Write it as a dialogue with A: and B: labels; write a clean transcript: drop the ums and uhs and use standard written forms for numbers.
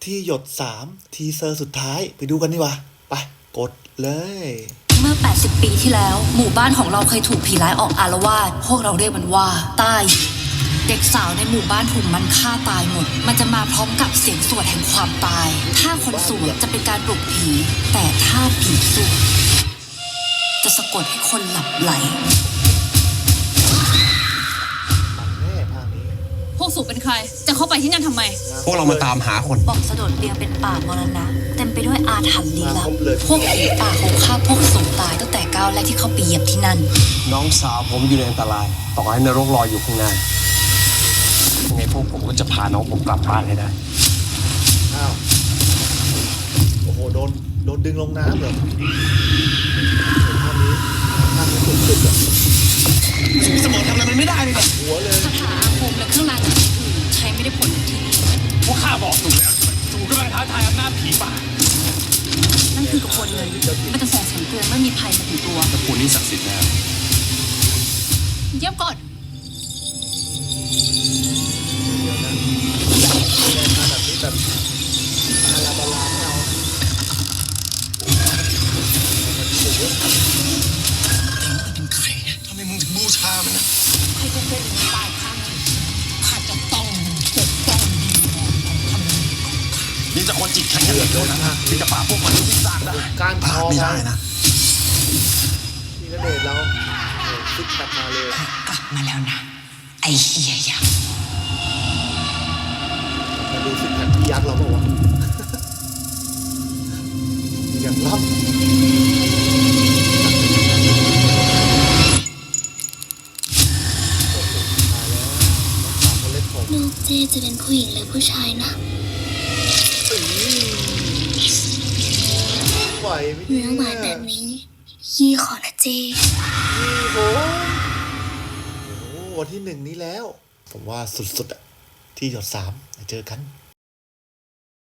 A: ที่หยด3ทีเซอร์สุดท้ายไปดูกันดีกว่าไปกดเลย
B: เมื่อ 80 ปีที่แล้วหมู่บ้านของเราเคยถูกผีร้ายออกอาละวาดพวกเราเรียกมันว่าใต้เด็กสาวในหมู่บ้านถูกมันฆ่าตายหมดมันจะมาพร้อมกับเสียงสวดแห่งความตายถ้าคนสวดจะเป็นการปลุกผีแต่ถ้าผีสวดจะสะกดให้คนหลับไหล
C: พวกสูบเป็นใครจะเข้าไปที่นั่นทำไม
D: พวกเรามาตามหาคน
B: บอกสะดดเดียงเป็นป่ามรณะเต็มไปด้วยอาถรรพ์ลี้ลับพวกผีป่าคงฆ่าพวกสูบตายตั้งแต่ก้าวแรกที่เขาไปเหยียบที่นั่น
D: น้องสาวผมอยู่ในอันตรายต่อให้นรกรออยู่ข้างหน้ายังไงพวกผมก็จะพาน้องผมกลับบ้านให้ได้
A: อ้าวโอ้โหโดนดึงลงน้ำเหรอภาพนี้สุดๆอ่ะ
D: สมองทำอะไรมันไม่ได้เลย
A: หัวเลย
B: คาถาอาคมและเครื่องรางอื่นใช้ไม่ได้ผลที่นี่
D: พวกข้าบอกถูกแล้วถูกกำลังท้าทายอำนาจผีป่า
B: นั่นคือกระบวนเงินมันจะส่งเสียงเตือนเมื่อมีภัยมาถึงตัว
D: ตระกูลนี้ศักดิ์สิทธิ์แล้ว
C: เยี่ยมก่อน
A: เดี๋ยวนะแบบนี้แบบอาราบาลาไม่เอา
D: เป็นใครทำไมมึงถึงบูชามันนะ
B: ใครจะเป็นตายข้างหนึ่ง
D: ข้าจะต้องปกป้องนี่จะคนจิตแข็งเหลือเกินนะที่จะป่าพวกมันที่สร้างได้
A: การทอง
D: ไม่ได้นะ
A: นี่ก็เดชเราซิกแพคมาเลย
B: กลับมาแล้วนะไอ้เหี้ยยักษ์
A: มาดูซิกแพคพี่ยักษ์เราเปล่าวะอย่างลับ
E: ลูกเจจะเป็นผู้หญิงหรือผู้ชายนะ
A: ไหวไหม
E: เนื้อหวานแบบนี้ยี่ขอนะเจ
A: โอ้วันที่1นี้แล้วผมว่าสุดๆอ่ะที่หยด3เจอกัน